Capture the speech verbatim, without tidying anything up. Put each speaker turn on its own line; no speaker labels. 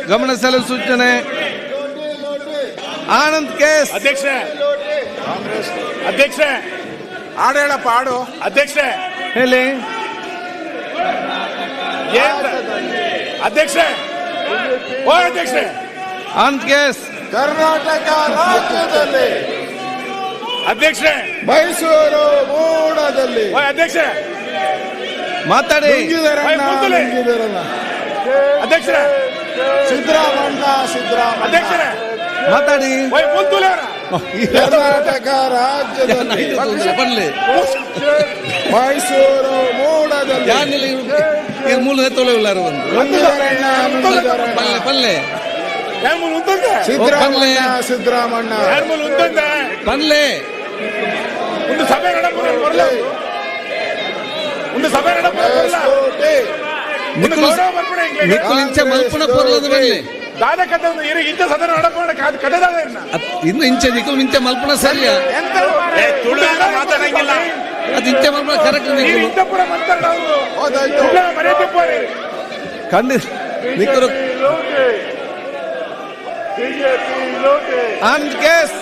ಗಮನಿಸಲು ಸೂಚನೆ. ಆನಂದ್ ಕೇಸ್.
ಅಧ್ಯಕ್ಷ ಅಧ್ಯಕ್ಷ
ಹಾಡು ಹೇಳಪ್ಪ ಹಾಡು.
ಅಧ್ಯಕ್ಷ
ಹೇಳಿ.
ಅಧ್ಯಕ್ಷ ಓ ಅಧ್ಯಕ್ಷ
ಆನಂದ್ ಕೇಸ್.
ಕರ್ನಾಟಕ ರಾಜ್ಯದಲ್ಲಿ
ಅಧ್ಯಕ್ಷ
ಮೈಸೂರು ಮೂಡದಲ್ಲಿ
ಓ ಅಧ್ಯಕ್ಷ
ಮಾತಾಡಿ.
ನುಂಗಿದರಣ್ಣ, ನುಂಗಿದರಣ್ಣ.
ಅಧ್ಯಕ್ಷ
ಸಿದ್ದರಾಮಣ್ಣ ಸಿದ್ದರಾಮಣ್ಣ
ಅಧ್ಯಕ್ಷರ
ಮಾತಾಡಿ.
ಓಯ್ ಮುಂದುಲೆ
ಕರ್ನಾಟಕ ರಾಜ್ಯದಲ್ಲಿ
ಬರ್ಲಿ.
ಮೈಸೂರು ಮೂಡದಲ್ಲಿ
ಯಾರಿಲ್ಲ ಇವ್ರು ಮೂಲ ತೊಳೆಯುಳ್ಳಾರ ಒಂದು
ನುಂಗಿದರಣ್ಣ, ನುಂಗಿದರಣ್ಣ.
ಪಲ್ಲೆ ಪಲ್ಲೆ
ಯಾರ ಮೂಲ ಉಂತಂದ
ಸಿದ್ದರಾಮಣ್ಣ ಸಿದ್ದರಾಮಣ್ಣ
ಯಾರ ಮೂಲ ಉಂತಂದ
ಪಲ್ಲೆ
ಒಂದು ಸಭೆ ನಡಪುರ ಬರಲ್ಲ ಒಂದು ಸಭೆ ನಡಪುರ ಬರಲ್ಲ
ಕೋಟೆ.
ಒಂದು ಗೌರವ ಬರ್ಪಡೆ
ನಿಕ್ಕಲು ಇಂಚ ಮಲ್ಪನ ಪೊರ್ಲದ ಬರಲಿ.
ದಾದ ಕದ ಒಂದು ಇರ ಇಂಚ ಸದನ ನಡಪುರ ಕಡೆದಾಗ ಇರ್ನ
ಇನ್ನು ಇಂಚೆ ನಿಕ್ಕಲು ಇಂಚೆ ಮಲ್ಪನ ಸರಿಯ
ಎಂತ ತುಳುವಿನ ಮಾತಾಡಂಗಿಲ್ಲ
ಅದು ಇಂಚೆ ಮಲ್ಪನ ಕರೆಕ್ಟ್
ನೀವು
ನಿಕ್ಕಲು
ಇಂತಪುರ ಮಾತಾಡೋದು
ಹೌದಾಯ್ತು.
ಮರ್ಯಾದೆ ಪೋರಿ
ಖಂಡಿತ ನಿಕ್ಕರು. ಆನಂದ್ ಕೇಸ್.